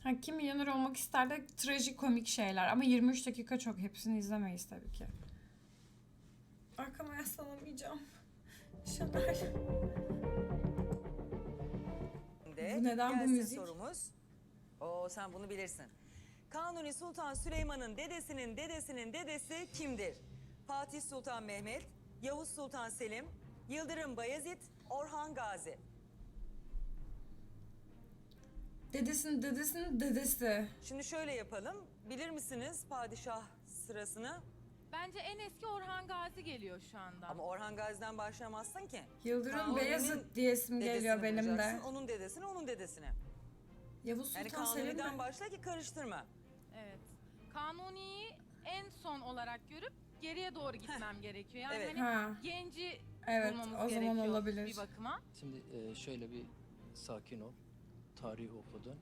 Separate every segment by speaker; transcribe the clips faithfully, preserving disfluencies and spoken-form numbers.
Speaker 1: Ha, kim milyoner olmak ister de trajikomik şeyler ama yirmi üç dakika çok, hepsini izlemeyiz tabii ki. Arkama yaslanamayacağım. Şener. Bu neden bu
Speaker 2: Gelsin
Speaker 1: müzik?
Speaker 2: sorumuz. Oo, sen bunu bilirsin. Kanuni Sultan Süleyman'ın dedesinin dedesinin dedesi kimdir? Fatih Sultan Mehmet, Yavuz Sultan Selim, Yıldırım Bayezid, Orhan Gazi.
Speaker 1: Dedesinin dedesinin dedesi.
Speaker 2: Şimdi şöyle yapalım. Bilir misiniz padişah sırasını?
Speaker 3: Bence en eski Orhan Gazi geliyor şu anda.
Speaker 2: Ama Orhan Gazi'den başlamazsın ki.
Speaker 1: Yıldırım
Speaker 2: Kanuni'nin
Speaker 1: Beyazıt diyesim geliyor
Speaker 2: dedesini
Speaker 1: benim de.
Speaker 2: bulacaksın, onun dedesini, onun dedesini.
Speaker 1: Yavuz
Speaker 2: Yani
Speaker 1: Sultan Selim
Speaker 2: Kanuni'den
Speaker 1: mi?
Speaker 2: başla ki karıştırma.
Speaker 3: Evet. Kanuni'yi en son olarak görüp geriye doğru gitmem gerekiyor. Yani
Speaker 2: Evet.
Speaker 3: hani
Speaker 1: Ha.
Speaker 3: genci
Speaker 1: Evet,
Speaker 3: bulmamız
Speaker 1: o zaman
Speaker 3: gerekiyor
Speaker 1: olabilir.
Speaker 3: bir bakıma.
Speaker 4: Şimdi e, şöyle bir sakin ol. Tarih okudun.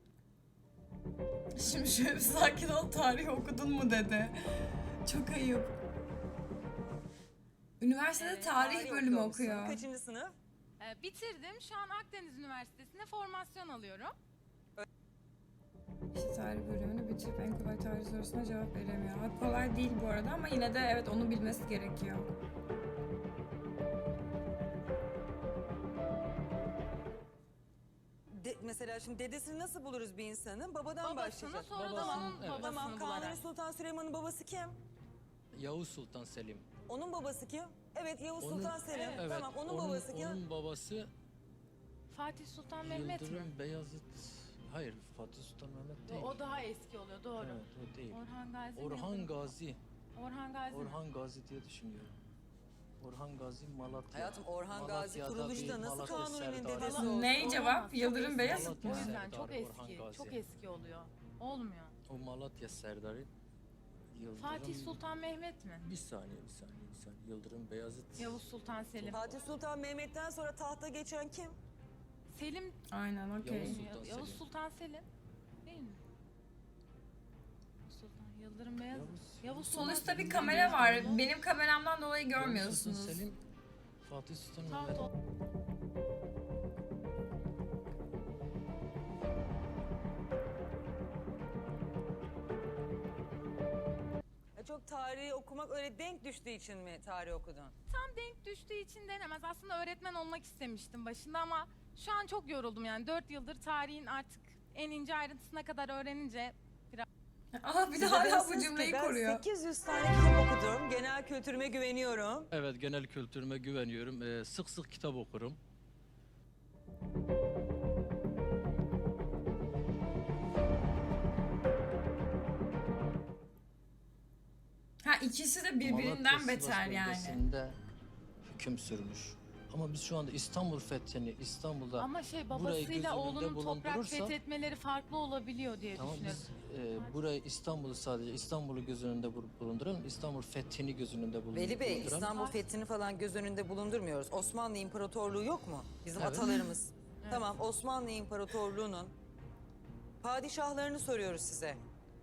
Speaker 1: Şimdi şöyle bir sakin ol, tarih okudun mu dedi. Çok ayıp. Üniversitede
Speaker 2: Evet,
Speaker 1: tarih bölümü
Speaker 2: okuyor musun?
Speaker 1: okuyor.
Speaker 2: Kaçıncı sınıf?
Speaker 3: Ee, bitirdim. Şu an Akdeniz Üniversitesi'nde formasyon alıyorum.
Speaker 1: İşte tarih bölümünü bitirip en kolay tarih sorusuna cevap veremiyor. Ha, kolay değil bu arada ama yine de evet, onu bilmesi gerekiyor.
Speaker 2: De, mesela şimdi dedesini nasıl buluruz bir insanın? Babadan
Speaker 3: Babasını
Speaker 2: başlayacağız.
Speaker 3: sonra da
Speaker 4: Babasının,
Speaker 3: onun
Speaker 4: evet.
Speaker 3: babasını
Speaker 2: Tamam,
Speaker 3: bularak.
Speaker 2: Kanuni Sultan Süleyman'ın babası kim?
Speaker 4: Yavuz Sultan Selim.
Speaker 2: Onun babası kim? Evet, Yavuz
Speaker 4: Onun-
Speaker 2: Sultan Selim.
Speaker 4: Evet.
Speaker 2: Tamam, onun, babası kim?
Speaker 4: Onun babası
Speaker 3: Fatih Sultan Mehmet mi?
Speaker 4: Yıldırım Beyazıt. Hayır, Fatih Sultan Mehmet değil.
Speaker 3: O daha eski oluyor, doğru.
Speaker 4: Evet, o değil.
Speaker 3: Orhan Gazi.
Speaker 4: Orhan
Speaker 3: Yıldırım-
Speaker 4: Gazi.
Speaker 3: Orhan Gazi. mi?
Speaker 4: Orhan Gazi diye düşünüyorum. Orhan Gazi Malatya.
Speaker 2: Hayatım, Orhan Gazi
Speaker 4: Malatya'da
Speaker 2: kuruluşta
Speaker 4: bir
Speaker 2: nasıl
Speaker 4: Malatya
Speaker 2: Kanuni'nin
Speaker 4: Serdarı.
Speaker 2: dedesi
Speaker 3: Valla-
Speaker 2: olsun?
Speaker 1: Ne cevap?
Speaker 3: Olamaz, çok
Speaker 1: Yıldırım
Speaker 3: eski.
Speaker 1: Beyazıt
Speaker 3: O
Speaker 1: mı?
Speaker 3: yüzden
Speaker 4: Serdar
Speaker 3: çok
Speaker 4: Orhan
Speaker 3: eski,
Speaker 4: Gazi.
Speaker 3: çok eski oluyor. Olmuyor.
Speaker 4: O Malatya Serdarı. Yıldırım...
Speaker 3: Fatih Sultan Mehmet mi?
Speaker 4: Bir saniye, bir saniye, bir saniye. Yıldırım Beyazıt.
Speaker 3: Yavuz Sultan Selim.
Speaker 2: Fatih Sultan Mehmet'ten sonra tahta geçen kim?
Speaker 3: Selim,
Speaker 1: Aynen, okey.
Speaker 4: Yavuz Sultan
Speaker 3: Yavuz
Speaker 4: Selim.
Speaker 3: Sultan Selim değil mi? Yavuz Sultan, Yıldırım Beyazıt.
Speaker 4: Yavuz-
Speaker 3: Yavuz Sultan
Speaker 1: Sonuçta bir
Speaker 3: Selim.
Speaker 1: kamera var. Benim kameramdan dolayı
Speaker 4: Yavuz
Speaker 1: görmüyorsunuz.
Speaker 4: Sultan Selim, Fatih Sultan
Speaker 3: Taht
Speaker 4: Mehmet.
Speaker 3: o-
Speaker 2: Ya çok tarihi okumak öyle denk düştüğü için mi tarih okudun?
Speaker 3: Tam denk düştüğü için denemez. Aslında öğretmen olmak istemiştim başında ama şu an çok yoruldum yani. Dört yıldır tarihin artık en ince ayrıntısına kadar öğrenince
Speaker 1: Aha, bir de
Speaker 2: Size
Speaker 1: hala bu
Speaker 2: dersiniz ki
Speaker 1: cümleyi
Speaker 2: ben
Speaker 1: koruyor.
Speaker 2: sekiz yüz tane kitap okudum. Genel kültürüme güveniyorum.
Speaker 4: Evet, genel kültürüme güveniyorum. Ee, sık sık kitap okurum.
Speaker 1: Ha, ikisi de birbirinden
Speaker 4: Malatya,
Speaker 1: beter
Speaker 4: Sivas
Speaker 1: yani.
Speaker 4: bölgesinde hüküm sürmüş. Ama biz şu anda İstanbul fethini, İstanbul'da
Speaker 3: ama şey
Speaker 4: burayı göz
Speaker 3: babasıyla
Speaker 4: önünde
Speaker 3: oğlunun toprak
Speaker 4: bulundurursak-
Speaker 3: fethetmeleri farklı olabiliyor diye
Speaker 4: tamam
Speaker 3: düşünüyorum.
Speaker 4: biz e, burayı İstanbul'u sadece İstanbul'u göz önünde bul- bulunduralım. İstanbul fethini göz önünde bulun-
Speaker 2: Veli Bey,
Speaker 4: bulunduralım.
Speaker 2: İstanbul fethini falan göz önünde bulundurmuyoruz. Osmanlı İmparatorluğu yok mu? Bizim
Speaker 4: Evet.
Speaker 2: atalarımız. Tamam, Osmanlı İmparatorluğu'nun padişahlarını soruyoruz size.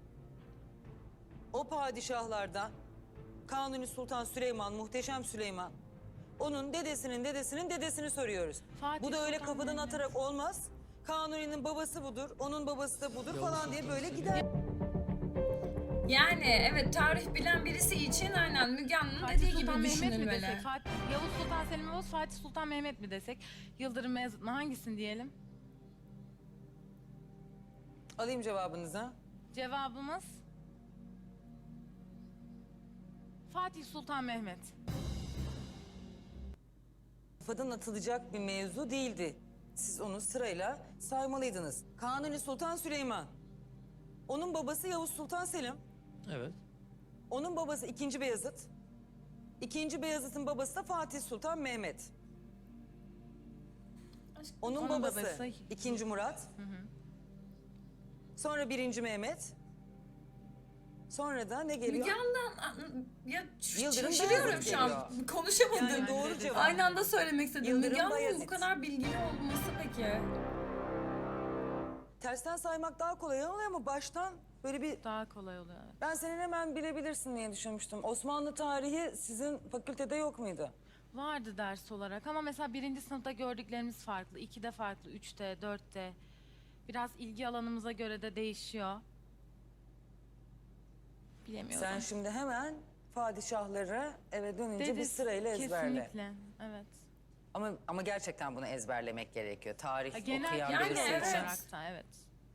Speaker 2: O padişahlardan Kanuni Sultan Süleyman, Muhteşem Süleyman. Onun dedesinin dedesinin dedesini soruyoruz.
Speaker 3: Fatih
Speaker 2: Bu da öyle
Speaker 3: Sultan
Speaker 2: kafadan
Speaker 3: Mehmet.
Speaker 2: atarak olmaz. Kanuni'nin babası budur, onun babası da budur
Speaker 4: Yavuz
Speaker 2: falan diye
Speaker 4: Sultan
Speaker 2: böyle
Speaker 4: Selim.
Speaker 2: gider.
Speaker 1: Yani evet, tarih bilen birisi için aynen Müge Anlı'nın
Speaker 3: Fatih
Speaker 1: dediği gibi
Speaker 3: Sultan Mehmet mi
Speaker 1: düşünülmeli.
Speaker 3: desek? Fatih, Yavuz Sultan Selim mi olsun, Fatih Sultan Mehmet mi desek? Yıldırım Beyazıt mı? Hangisini diyelim?
Speaker 2: Alayım cevabınızı.
Speaker 3: Cevabımız Fatih Sultan Mehmet.
Speaker 2: Kafadan atılacak bir mevzu değildi. Siz onu sırayla saymalıydınız. Kanuni Sultan Süleyman. Onun babası Yavuz Sultan Selim.
Speaker 4: Evet.
Speaker 2: Onun babası ikinci Beyazıt. İkinci Beyazıt'ın babası da Fatih Sultan Mehmet. Onun,
Speaker 3: Onun
Speaker 2: babası,
Speaker 3: babası-
Speaker 2: ikinci Murat. Sonra birinci Mehmet. Sonra da ne geliyor?
Speaker 1: Müge Anlı'dan ya ş-
Speaker 2: Yıldırım
Speaker 1: şaşırıyorum
Speaker 2: Beyazıt
Speaker 1: şu an.
Speaker 2: geliyor.
Speaker 1: Konuşamadım.
Speaker 2: Yani doğru cevap.
Speaker 1: Aynı anda söylemek istedim.
Speaker 2: Yıldırım
Speaker 1: Müge Anlı'nın bu
Speaker 2: Bayezid.
Speaker 1: kadar bilgili olması peki?
Speaker 2: Tersten saymak daha kolay oluyor ama baştan böyle bir...
Speaker 3: Daha kolay oluyor.
Speaker 2: Ben senin hemen bilebilirsin diye düşünmüştüm. Osmanlı tarihi sizin fakültede yok muydu?
Speaker 3: Vardı ders olarak ama mesela birinci sınıfta gördüklerimiz farklı. ikide farklı, üçte, dörtte. Biraz ilgi alanımıza göre de değişiyor. Bilemiyorum.
Speaker 2: Sen şimdi hemen padişahları eve dönünce bir
Speaker 3: Dedi,
Speaker 2: sırayla ezberle.
Speaker 3: Kesinlikle, evet.
Speaker 2: Ama ama gerçekten bunu ezberlemek gerekiyor. Tarih
Speaker 3: Ya genel
Speaker 2: okuyan
Speaker 1: yani
Speaker 2: birisi
Speaker 1: evet.
Speaker 2: için.
Speaker 3: olarak da evet.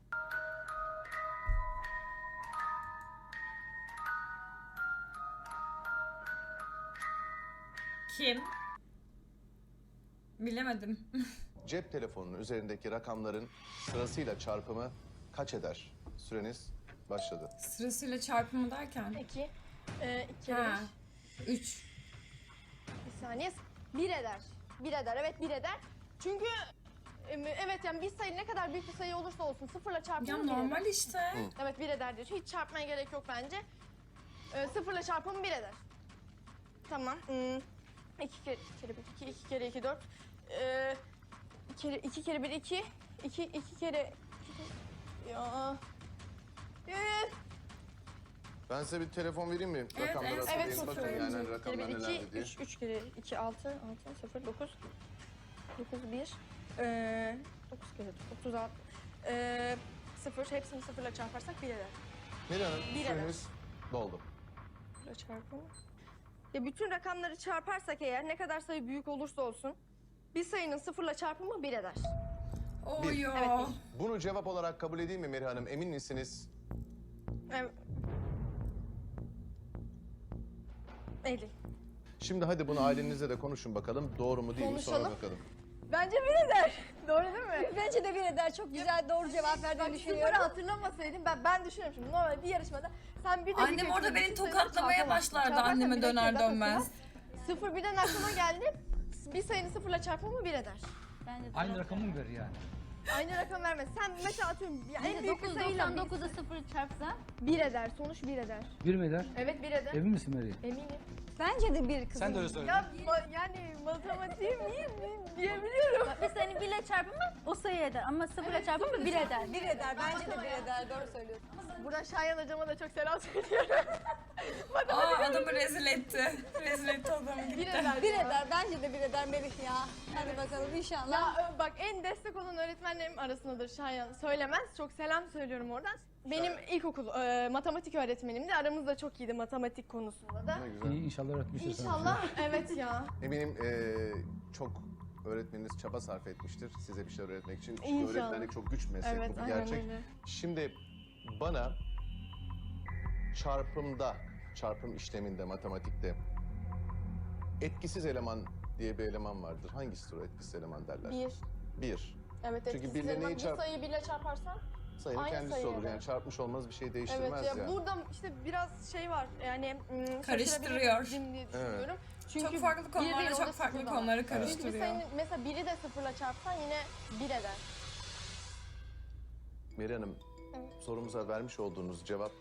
Speaker 1: Kim? Bilemedim.
Speaker 5: Cep telefonunun üzerindeki rakamların sırasıyla çarpımı kaç eder? Süreniz başladı.
Speaker 1: Sırasıyla çarpımı derken.
Speaker 6: İki. Ee, iki
Speaker 1: Ha.
Speaker 6: bir.
Speaker 1: Üç.
Speaker 6: Bir saniye. Bir eder. Bir eder. Evet bir eder. Çünkü em, evet yani bir sayı ne kadar büyük bir sayı olursa olsun sıfırla çarpımı
Speaker 1: Ya
Speaker 6: bir
Speaker 1: normal
Speaker 6: eder.
Speaker 1: işte.
Speaker 6: Evet bir eder diyor. Hiç çarpmaya gerek yok bence. Ee, sıfırla çarpımı bir eder. Tamam. Hmm. İki kere, iki kere bir iki, iki kere iki dört. Ee, iki kere, iki kere bir iki. İki, iki kere... iki kere- Ya... Ee,
Speaker 5: Ben size bir telefon vereyim mi?
Speaker 1: Evet,
Speaker 5: Rakamları
Speaker 1: evet.
Speaker 5: hatırlayın.
Speaker 6: Evet,
Speaker 5: Bakın
Speaker 6: çok
Speaker 5: yani
Speaker 6: iyi.
Speaker 5: rakamlar
Speaker 6: Bir, iki,
Speaker 5: nelerdi diye.
Speaker 6: üç, üç kere iki, altı, altı, sıfır, dokuz. Dokuz, bir. Ee, dokuz kere otuz altı. Ee, sıfır, hepsini sıfırla çarparsak bir eder.
Speaker 5: Neri Hanım,
Speaker 6: Bir eder.
Speaker 5: süreniz doldu.
Speaker 6: Sıfırla çarpımı. Ya bütün rakamları çarparsak eğer ne kadar sayı büyük olursa olsun bir sayının sıfırla çarpımı bir eder.
Speaker 1: Oyo.
Speaker 6: Evet,
Speaker 5: Bunu cevap olarak kabul edeyim mi Meri Hanım? Emin misiniz?
Speaker 6: Evet. elli.
Speaker 5: Şimdi hadi bunu ailenizle de konuşun bakalım. Doğru mu değil mi? Sonra
Speaker 6: Konuşalım.
Speaker 5: bakalım.
Speaker 6: Bence bir eder. Doğru değil mi?
Speaker 7: Bence de bir eder. Çok güzel doğru cevap verdiğini
Speaker 6: Bak
Speaker 7: düşünüyorum.
Speaker 6: sıfırı hatırlamasaydım ben ben düşünüyorum şimdi normal bir yarışmada sen bir
Speaker 1: Annem
Speaker 6: dakika
Speaker 1: orada
Speaker 6: içinde
Speaker 1: beni
Speaker 6: bütün sayıları
Speaker 1: tokatlamaya
Speaker 6: çarpamazsın.
Speaker 1: başlardı
Speaker 6: Çarparsan
Speaker 1: anneme
Speaker 6: bir dakika
Speaker 1: döner
Speaker 6: zaten
Speaker 1: dönmez.
Speaker 6: sıfır. Sıfır birden aklıma geldi. Bir sayının sıfırla çarpımı bir eder.
Speaker 7: Bence de
Speaker 8: Aynı
Speaker 7: doğru.
Speaker 8: rakamı mı verir yani?
Speaker 6: Aynı rakam vermez. Sen mesela atıyorum ya en
Speaker 7: Bence
Speaker 6: büyük bir
Speaker 7: dokuz
Speaker 6: sayıyla
Speaker 7: doksan
Speaker 6: bir,
Speaker 7: dokuza sıfır çarpsa.
Speaker 6: bir eder. Sonuç bir eder.
Speaker 8: Bir mi eder?
Speaker 6: Evet bir eder.
Speaker 8: Emin misin Meri?
Speaker 6: Eminim.
Speaker 7: Bence de bir kızım.
Speaker 8: Sen de öyle söyle.
Speaker 6: Ya ma- yani matematiğim iyi mi diyebiliyorum.
Speaker 7: Bir sayının birle çarpımı o sayı eder ama sıfırla çarpımı bir eder. Bir eder. Bence de bir eder. Doğru söylüyorsun.
Speaker 6: Buradan Şayan hocama da çok selam söylüyorum.
Speaker 1: Aa adamı rezil etti. Rezil etti adamı
Speaker 6: bir
Speaker 1: gitti.
Speaker 6: eder.
Speaker 7: Bir eder. Bence de bir eder Melih ya. Hadi bakalım inşallah.
Speaker 6: Ya ö, bak en destek olan öğretmenlerim arasındadır Şayan. Söylemez. Çok selam söylüyorum oradan. Benim ilkokul e, matematik öğretmenimdi. Aramızda çok iyiydi matematik konusunda da.
Speaker 5: Ne güzel.
Speaker 8: İyi, inşallah öğretmiştir sana.
Speaker 6: İnşallah evet ya.
Speaker 5: Eminim eee, çok öğretmeniniz çaba sarf etmiştir size bir şeyler öğretmek için. Çünkü
Speaker 6: İnşallah.
Speaker 5: öğretmenlik çok güç bir meslek,
Speaker 6: Evet
Speaker 5: bu bir
Speaker 6: aynen
Speaker 5: gerçek.
Speaker 6: öyle.
Speaker 5: Şimdi bana çarpımda, çarpım işleminde, matematikte etkisiz eleman diye bir eleman vardır. Hangisidir o etkisiz eleman derler?
Speaker 6: Bir.
Speaker 5: Bir.
Speaker 6: Evet
Speaker 5: Çünkü
Speaker 6: etkisiz
Speaker 5: birle
Speaker 6: eleman.
Speaker 5: neyi
Speaker 6: Bir
Speaker 5: çarp-
Speaker 6: sayıyı birle çarparsan.
Speaker 5: Sayının
Speaker 6: Aynı
Speaker 5: kendisi
Speaker 6: sayı
Speaker 5: olur.
Speaker 6: eder.
Speaker 5: Yani çarpmış olmaz bir şey değiştirmez
Speaker 6: Evet ya
Speaker 5: yani.
Speaker 6: burada işte biraz şey var yani mm,
Speaker 1: Karıştırıyor.
Speaker 6: şaşırabilirim diye düşünüyorum. Çünkü
Speaker 1: Çok farklı
Speaker 6: bir
Speaker 1: konularla
Speaker 6: değil,
Speaker 1: çok
Speaker 6: orada
Speaker 1: farklı
Speaker 6: sıfır da var.
Speaker 1: konuları
Speaker 6: Çünkü bir
Speaker 1: karıştırıyor.
Speaker 6: sayının mesela biri de sıfırla çarpsan yine bir eder.
Speaker 5: Meri Hanım,
Speaker 6: Evet.
Speaker 5: sorumuza vermiş olduğunuz cevap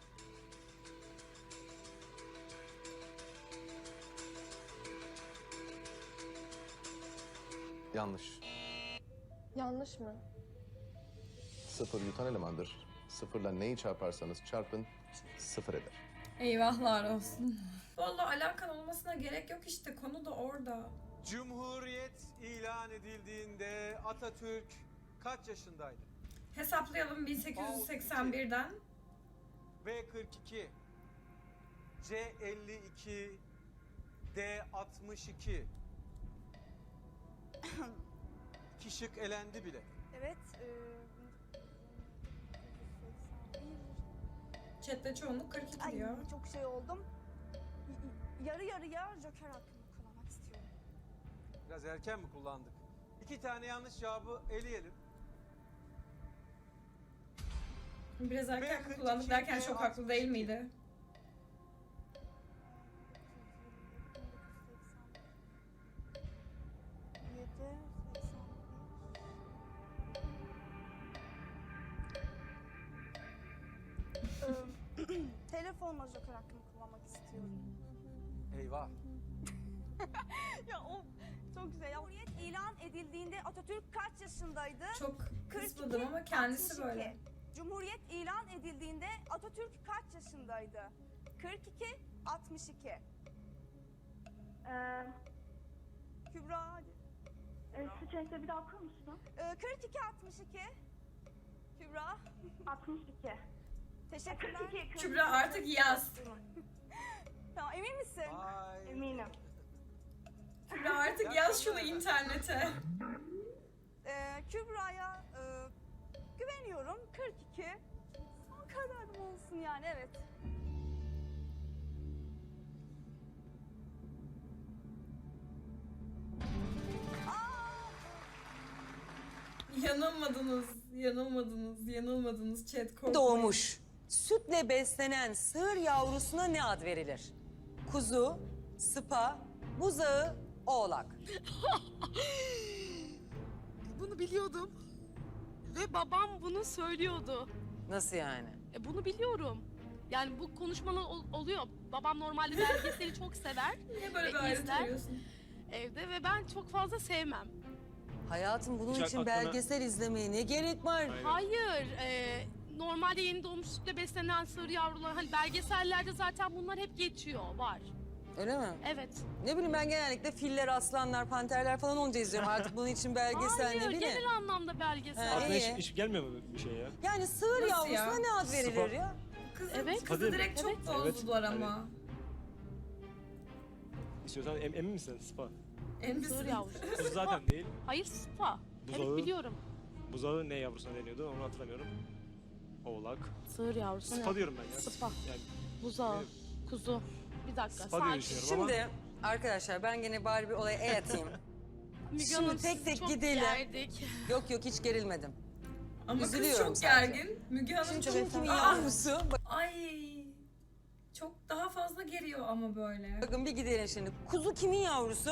Speaker 5: yanlış.
Speaker 6: Yanlış mı?
Speaker 5: Sıfır yutan elemandır. Sıfırla neyi çarparsanız çarpın sıfır eder.
Speaker 1: Eyvahlar olsun. Vallahi alakan olmasına gerek yok işte. Konu da orada.
Speaker 9: Cumhuriyet ilan edildiğinde Atatürk kaç yaşındaydı?
Speaker 1: Hesaplayalım bin sekiz yüz seksen birden.
Speaker 9: B kırk iki, C elli iki, D altmış iki. İki şık elendi bile.
Speaker 10: Evet.
Speaker 1: Chat'te çoğunluk kırk iki
Speaker 10: Ay,
Speaker 1: diyor.
Speaker 10: çok şey oldum. Y- y- Yarı yarıya joker hakkımı kullanmak istiyorum.
Speaker 9: Biraz erken mi kullandık? İki tane yanlış cevabı eleyelim.
Speaker 1: Biraz erken
Speaker 9: B kırk
Speaker 1: kullandık
Speaker 9: iki,
Speaker 1: derken
Speaker 9: B
Speaker 1: çok haklı değil
Speaker 9: altmış iki.
Speaker 1: miydi?
Speaker 10: Yedi, seksen bir. Ee, Telefonla joker hakkımı kullanmak istiyorum.
Speaker 9: Eyvah.
Speaker 10: Ya o çok güzel. Ya. Cumhuriyet ilan edildiğinde Atatürk kaç yaşındaydı?
Speaker 1: Çok
Speaker 10: kırk
Speaker 1: kısmadım
Speaker 10: iki,
Speaker 1: ama kendisi
Speaker 10: altmış iki.
Speaker 1: böyle.
Speaker 10: Cumhuriyet ilan edildiğinde Atatürk kaç yaşındaydı? kırk iki, altmış iki.
Speaker 11: Ee,
Speaker 10: Kübra hadi.
Speaker 11: e, Sıçrayınca bir daha okur musun?
Speaker 10: Ee, kırk iki, altmış iki. altmış iki. Teşekkürler.
Speaker 1: Kübra artık yaz.
Speaker 10: Tamam, emin misin?
Speaker 9: Vay.
Speaker 10: Eminim.
Speaker 1: Kübra artık yaz şunu internete.
Speaker 10: Ee, Kübra'ya e, güveniyorum. kırk iki. Son kararım olsun yani, evet.
Speaker 1: Yanılmadınız, yanılmadınız, yanılmadınız chat korkmayın.
Speaker 2: Doğmuş. Sütle beslenen sığır yavrusuna ne ad verilir? Kuzu, sıpa, buzağı, oğlak.
Speaker 8: Bunu biliyordum. Ve babam bunu söylüyordu.
Speaker 2: Nasıl yani?
Speaker 8: E, bunu biliyorum. Yani bu konuşmalar ol- oluyor. Babam normalde belgeseli çok sever
Speaker 1: Niye böyle bir
Speaker 8: E,
Speaker 1: ayrıntı
Speaker 8: izler.
Speaker 1: veriyorsun?
Speaker 8: evde ve ben çok fazla sevmem.
Speaker 2: Hayatım bunun
Speaker 9: Hiç
Speaker 2: için
Speaker 9: aklına-
Speaker 2: belgesel izlemeye ne gerek var?
Speaker 9: Aynen.
Speaker 8: Hayır, e, normalde yeni doğmuş sütle beslenen sığır yavrular, hani belgesellerde zaten bunlar hep geçiyor, var.
Speaker 2: Öyle mi?
Speaker 8: Evet.
Speaker 2: Ne bileyim ben genellikle filler, aslanlar, panterler falan olunca izliyorum. Artık bunun için belgesel
Speaker 8: Hayır,
Speaker 2: ne bileyim.
Speaker 8: genel anlamda belgesel.
Speaker 2: Ha,
Speaker 9: Aklına
Speaker 2: iyi.
Speaker 9: hiç, hiç gelmiyor mu bir şey ya?
Speaker 2: Yani sığır
Speaker 1: Nasıl
Speaker 2: yavrusuna
Speaker 1: ya?
Speaker 2: ne ad verilir
Speaker 9: Sıpa.
Speaker 2: ya?
Speaker 1: Kızı,
Speaker 8: Evet.
Speaker 1: kızı
Speaker 9: Hadi.
Speaker 1: direkt çok
Speaker 8: Evet.
Speaker 1: bozdular
Speaker 9: Evet.
Speaker 1: ama.
Speaker 9: İstiyorsan em, emin misin? Spa.
Speaker 1: En
Speaker 8: Sığır
Speaker 1: misin?
Speaker 8: yavrusu.
Speaker 9: Kuzu zaten değil.
Speaker 8: Hayır, spa.
Speaker 9: Buzağı.
Speaker 8: Evet, biliyorum.
Speaker 9: Buzağı ne yavrusuna deniyordu onu hatırlamıyorum. Oğlak.
Speaker 8: Sığır yavrusu
Speaker 9: Spa
Speaker 8: ne?
Speaker 9: diyorum ben ya.
Speaker 8: Spa.
Speaker 9: Yani
Speaker 8: Buzağı, kuzu. Bir dakika,
Speaker 9: Spa diye
Speaker 8: sakin.
Speaker 9: düşünüyorum ama.
Speaker 2: Şimdi arkadaşlar ben gene bari bir olaya el atayım.
Speaker 8: Müge
Speaker 2: Şimdi
Speaker 8: Hanım,
Speaker 2: tek
Speaker 8: sizi
Speaker 2: tek
Speaker 8: çok
Speaker 2: gidelim.
Speaker 8: gerdik.
Speaker 2: Yok yok hiç gerilmedim.
Speaker 1: Ama kız
Speaker 2: Üzülüyorum
Speaker 1: çok
Speaker 2: sadece.
Speaker 1: gergin. Müge Hanım
Speaker 2: Şimdi
Speaker 1: çok...
Speaker 2: kim kimin
Speaker 1: Aa!
Speaker 2: yavrusu? Bak-
Speaker 1: Ay. Çok daha fazla geriyor ama böyle.
Speaker 2: Bakın bir gidelim şimdi. Kuzu kimin yavrusu?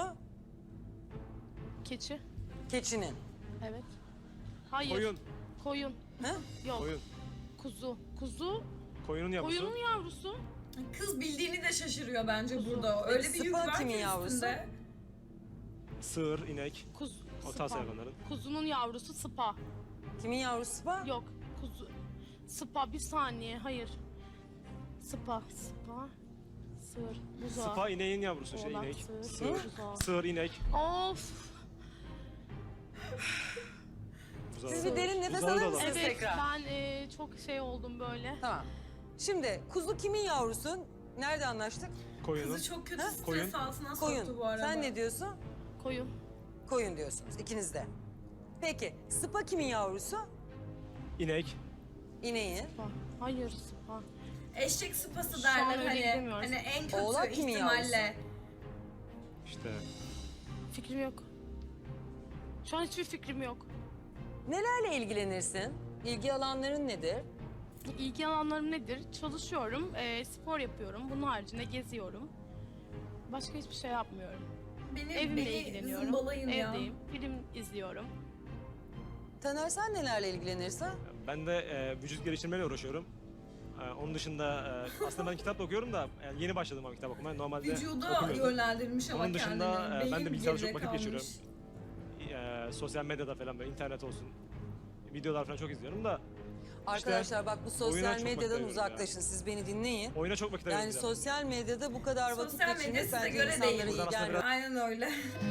Speaker 8: Keçi.
Speaker 2: Keçinin.
Speaker 8: Evet. Hayır.
Speaker 9: Koyun.
Speaker 8: Koyun.
Speaker 2: Ha?
Speaker 8: Yok.
Speaker 9: Koyun.
Speaker 8: Kuzu. Kuzu.
Speaker 9: Koyunun yavrusu.
Speaker 8: Koyunun yavrusu.
Speaker 1: Kız bildiğini de şaşırıyor bence
Speaker 8: Kuzu.
Speaker 1: burada. Öyle bir yük
Speaker 2: Sıpa
Speaker 1: var
Speaker 2: kimin
Speaker 1: ki
Speaker 2: yavrusu?
Speaker 1: üstünde.
Speaker 9: Sığır, inek.
Speaker 8: Kuzu.
Speaker 9: O
Speaker 8: Sıpa.
Speaker 9: tarz hayvanların.
Speaker 8: Kuzunun yavrusu sıpa.
Speaker 2: Kimin yavrusu var?
Speaker 8: Yok. Kuzu. Sıpa. Bir saniye. Hayır. Sıpa. Sıpa. Sığır. Buzağı.
Speaker 9: Spa ineğin yavrusu şey
Speaker 8: Oğlak,
Speaker 9: inek.
Speaker 8: sığır,
Speaker 9: Sığır.
Speaker 8: buzağı.
Speaker 9: Sığır, inek.
Speaker 8: Of.
Speaker 9: Buzağı.
Speaker 2: Siz bir derin nefes
Speaker 9: Buzağı da
Speaker 2: alır
Speaker 9: olabilir.
Speaker 2: mısınız
Speaker 8: Evet,
Speaker 2: tekrar?
Speaker 8: ben e, çok şey oldum böyle.
Speaker 2: Tamam. Şimdi kuzu kimin yavrusu? Nerede anlaştık?
Speaker 9: Koyunun.
Speaker 1: Kızı çok kötü
Speaker 2: Ha?
Speaker 1: stres
Speaker 9: Koyun.
Speaker 1: altına
Speaker 2: Koyun.
Speaker 1: soktu bu arada.
Speaker 2: Sen ne diyorsun?
Speaker 8: Koyun.
Speaker 2: Koyun diyorsunuz ikiniz de. Peki sıpa kimin yavrusu?
Speaker 9: İnek.
Speaker 2: İneğin.
Speaker 8: Sıpa. Hayır, sıpa.
Speaker 1: Eşek sıpası
Speaker 8: Şu an
Speaker 1: derler
Speaker 8: öyle
Speaker 1: hani.
Speaker 8: gidemiyoruz.
Speaker 1: Hani en kötü
Speaker 2: Oğlak kimin
Speaker 1: ihtimalle.
Speaker 9: İşte.
Speaker 8: Fikrim yok. Şu an hiçbir fikrim yok.
Speaker 2: Nelerle ilgilenirsin? İlgi alanların nedir?
Speaker 8: İlgi alanlarım nedir? Çalışıyorum, e, spor yapıyorum. Bunun haricinde geziyorum. Başka hiçbir şey yapmıyorum.
Speaker 1: Beni,
Speaker 8: Evimle
Speaker 1: beni
Speaker 8: ilgileniyorum.
Speaker 1: zımbalayın ya.
Speaker 8: Evdeyim, film izliyorum.
Speaker 2: Taner sen nelerle ilgilenirsin?
Speaker 9: Ben de e, vücut geliştirmeyle uğraşıyorum. E, onun dışında e, aslında ben kitap da okuyorum da yani yeni başladım ama kitap okumaya. Normalde
Speaker 1: Vücuda
Speaker 9: okumuyordum.
Speaker 1: yönlendirmiş ama
Speaker 9: Onun dışında,
Speaker 1: kendini.
Speaker 9: e, ben de
Speaker 1: Beyin
Speaker 9: bilgisayarda çok
Speaker 1: geride
Speaker 9: vakit
Speaker 1: kalmış.
Speaker 9: geçiriyorum. E, sosyal medyada falan böyle internet olsun. Videolar falan çok izliyorum da
Speaker 2: Arkadaşlar bak bu
Speaker 9: oyuna
Speaker 2: sosyal
Speaker 9: çok
Speaker 2: medyadan
Speaker 9: bakıyorum
Speaker 2: uzaklaşın. Siz beni dinleyin.
Speaker 9: oyuna çok vakit
Speaker 2: Yani
Speaker 9: ayırıyorum.
Speaker 2: sosyal medyada bu kadar vakit
Speaker 1: Sosyal medya
Speaker 2: geçirmek
Speaker 1: size
Speaker 2: bence
Speaker 1: göre
Speaker 2: insanlara
Speaker 1: değil.
Speaker 2: iyi
Speaker 9: Buradan aslında
Speaker 2: gelmiyor.
Speaker 1: Aynen öyle.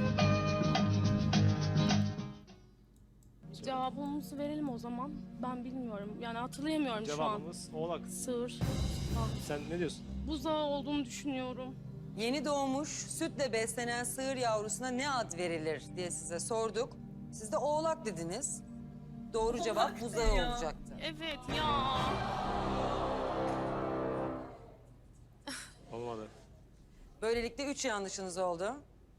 Speaker 8: Cevabımızı verelim o zaman. Ben bilmiyorum. Yani hatırlayamıyorum şu an.
Speaker 9: Cevabımız oğlak.
Speaker 8: Sığır.
Speaker 9: Sen ne diyorsun?
Speaker 8: Buzağı olduğunu düşünüyorum.
Speaker 2: Yeni doğmuş sütle beslenen sığır yavrusuna ne ad verilir diye size sorduk. Siz de oğlak dediniz. Doğru
Speaker 1: Oğlak
Speaker 2: cevap
Speaker 1: ne
Speaker 2: buzağı
Speaker 1: ya?
Speaker 2: olacaktı.
Speaker 8: Evet ya.
Speaker 9: Olmadı.
Speaker 2: Böylelikle üç yanlışınız oldu.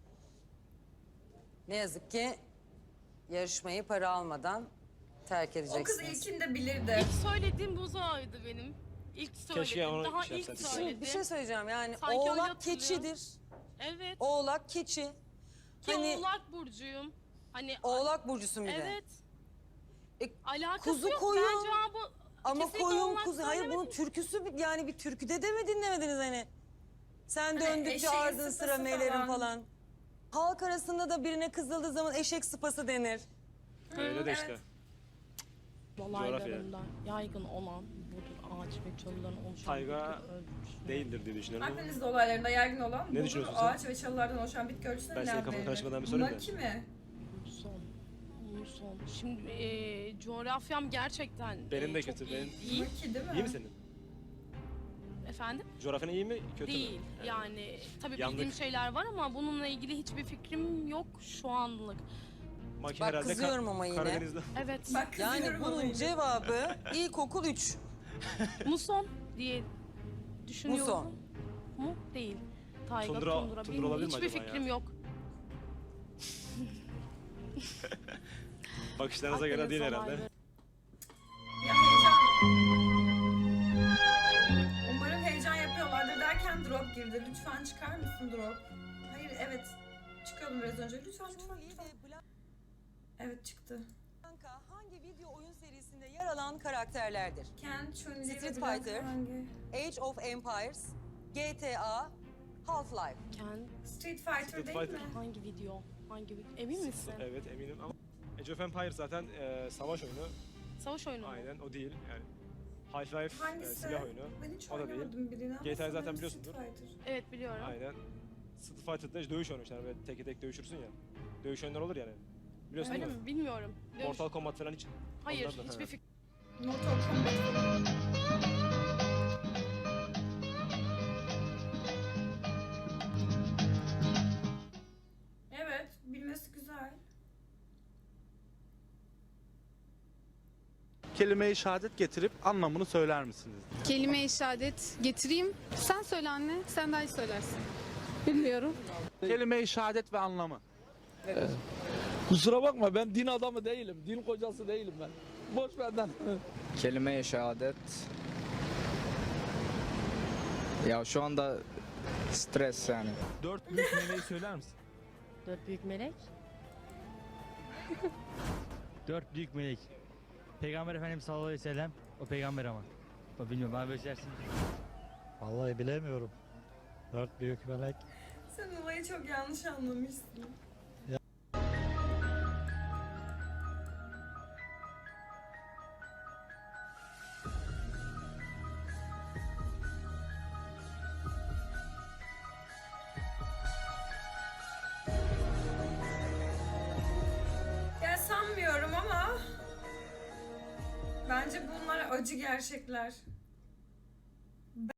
Speaker 2: Ne yazık ki yarışmayı para almadan terk
Speaker 1: O kız
Speaker 2: edeceksiniz.
Speaker 1: ilkinde bilirdi.
Speaker 8: İlk söylediğim buzağıydı benim. İlk söyledim.
Speaker 9: Keşke onu
Speaker 8: Daha
Speaker 9: şey
Speaker 8: ilk
Speaker 9: yapsaydın.
Speaker 2: Şimdi
Speaker 8: söyledim.
Speaker 2: bir şey söyleyeceğim yani
Speaker 8: Sanki öyle
Speaker 2: oğlak
Speaker 8: hatırlıyorum.
Speaker 2: keçidir.
Speaker 8: Evet.
Speaker 2: Oğlak keçi.
Speaker 8: Ki
Speaker 2: Hani
Speaker 8: oğlak burcuyum. Hani
Speaker 2: oğlak burcusun bir de.
Speaker 8: evet.
Speaker 2: E,
Speaker 8: Alakası
Speaker 2: kuzu
Speaker 8: yok.
Speaker 2: koyun.
Speaker 8: Ben cevabı
Speaker 2: Ama
Speaker 8: kesinlikle
Speaker 2: koyun
Speaker 8: oğlak
Speaker 2: kuzu. Hayır bunun
Speaker 8: söylemedim.
Speaker 2: türküsü bir- yani bir türküde de mi dinlemediniz hani? Sen
Speaker 1: Hani
Speaker 2: döndükçe
Speaker 1: eşeğin
Speaker 2: ardın
Speaker 1: sıpası
Speaker 2: sıra meylerin
Speaker 1: falan.
Speaker 2: falan. Halk arasında da birine kızıldığı zaman eşek sıpası denir.
Speaker 9: Öyle de
Speaker 1: evet.
Speaker 9: işte.
Speaker 8: Dolaylarında yaygın olan budur ağaç ve çalıların oluşan
Speaker 9: Tayga
Speaker 8: bitki örtüsü.
Speaker 9: Değildir diye düşünüyorum. ama
Speaker 1: Akdeniz olaylarında yaygın olan
Speaker 9: Ne
Speaker 1: budur,
Speaker 9: düşünüyorsun sen?
Speaker 1: ağaç ve çalılardan oluşan bitki örtüsüne
Speaker 9: Ben
Speaker 1: ne
Speaker 9: senin
Speaker 1: ad
Speaker 9: kafanı
Speaker 1: verilir?
Speaker 9: karıştırmadan bir sorayım da.
Speaker 1: Maki mi?
Speaker 8: Son. Muson. Şimdi e, coğrafyam gerçekten
Speaker 9: Benim
Speaker 8: e,
Speaker 9: de
Speaker 8: çok
Speaker 9: kötü,
Speaker 8: iyi
Speaker 9: benim-
Speaker 8: değil.
Speaker 1: Maki değil mi?
Speaker 9: İyi mi senin?
Speaker 8: Efendim?
Speaker 9: Coğrafyan iyi mi, kötü
Speaker 8: Değil.
Speaker 9: mü?
Speaker 8: Yani tabii
Speaker 9: Yandık.
Speaker 8: bildiğim şeyler var ama bununla ilgili hiçbir fikrim yok şu anlık.
Speaker 9: Maki
Speaker 2: Bak
Speaker 9: herhalde Ka-
Speaker 2: kızıyorum ama yine.
Speaker 9: Karadeniz'de.
Speaker 8: Evet.
Speaker 1: Bak
Speaker 2: Yani
Speaker 1: kızıyorum
Speaker 2: bunun
Speaker 1: ama
Speaker 2: cevabı ilkokul üç.
Speaker 8: Muson diye düşünüyorum.
Speaker 2: Muson.
Speaker 8: Mu? Değil. Tayga,
Speaker 9: Tundra-
Speaker 8: tundra.
Speaker 9: tundra
Speaker 8: Bilmiyorum.
Speaker 9: olabilir mi
Speaker 8: Hiçbir
Speaker 9: acaba ya?
Speaker 8: fikrim yok.
Speaker 9: Bakışlarınıza göre değil
Speaker 8: Akdeniz
Speaker 9: herhalde.
Speaker 8: olayları.
Speaker 1: Ya heyecan. Umarım heyecan yapıyorlardır derken drop girdi. Lütfen çıkar mısın drop? Hayır evet. Çıkıyordum biraz önce. Lütfen lütfen
Speaker 2: Joey
Speaker 1: lütfen.
Speaker 2: ve
Speaker 1: Evet çıktı.
Speaker 2: Blanca hangi video oyun serisinde yer alan karakterlerdir?
Speaker 1: Ken, Chun-Li ve
Speaker 2: Street
Speaker 1: Blanca
Speaker 2: Fighter.
Speaker 1: hangi?
Speaker 2: Age of Empires, G T A, Half-Life.
Speaker 8: Ken,
Speaker 1: Street Fighter
Speaker 9: Street
Speaker 1: değil
Speaker 9: Fighter.
Speaker 1: mi?
Speaker 8: hangi video? Hangi video? Emin misin?
Speaker 9: Evet eminim ama Age of Empires zaten e, savaş oyunu.
Speaker 8: Savaş oyunu mu?
Speaker 9: Aynen o değil yani. Half-Life e,
Speaker 1: Hangisi?
Speaker 9: silah oyunu.
Speaker 1: Ben hiç
Speaker 9: O da değil.
Speaker 1: oynamadım birini ama
Speaker 9: G T A'yı zaten
Speaker 1: sanırım
Speaker 9: biliyorsundur.
Speaker 1: Street Fighter.
Speaker 8: Evet biliyorum.
Speaker 9: Aynen. Street Fighter'da dövüş oyunu işte, yani böyle tek tek dövüşürsün ya. Dövüş oyunları olur yani. Biliyorsun
Speaker 8: Öyle
Speaker 9: değil mi?
Speaker 8: mi? Bilmiyorum. Dövüş-
Speaker 9: Mortal Kombat falan hiç.
Speaker 8: Hayır,
Speaker 9: onlardan,
Speaker 8: hiçbir
Speaker 9: ha.
Speaker 8: fikrim.
Speaker 1: Mortal Kombat. Evet, bilmesi güzel.
Speaker 11: Kelime-i şehadet getirip anlamını söyler misiniz?
Speaker 12: Kelime-i şehadet getireyim. Sen söyle anne, sen daha iyi söylersin. Bilmiyorum.
Speaker 11: Kelime-i şehadet ve anlamı.
Speaker 13: Kusura bakma ben din adamı değilim. Din kocası değilim ben. Boş benden.
Speaker 14: Kelime-i şehadet. Ya şu anda stres yani.
Speaker 11: Dört büyük meleği söyler misin?
Speaker 7: Dört büyük melek.
Speaker 13: Dört büyük melek. Peygamber Efendimiz sallallahu aleyhi ve sellem. O peygamber ama. O bilmiyorum ben böyle şeyler. Vallahi bilemiyorum. Dört büyük melek.
Speaker 1: Sen olayı çok yanlış anlamışsın. Ya sanmıyorum ama bence bunlar acı gerçekler.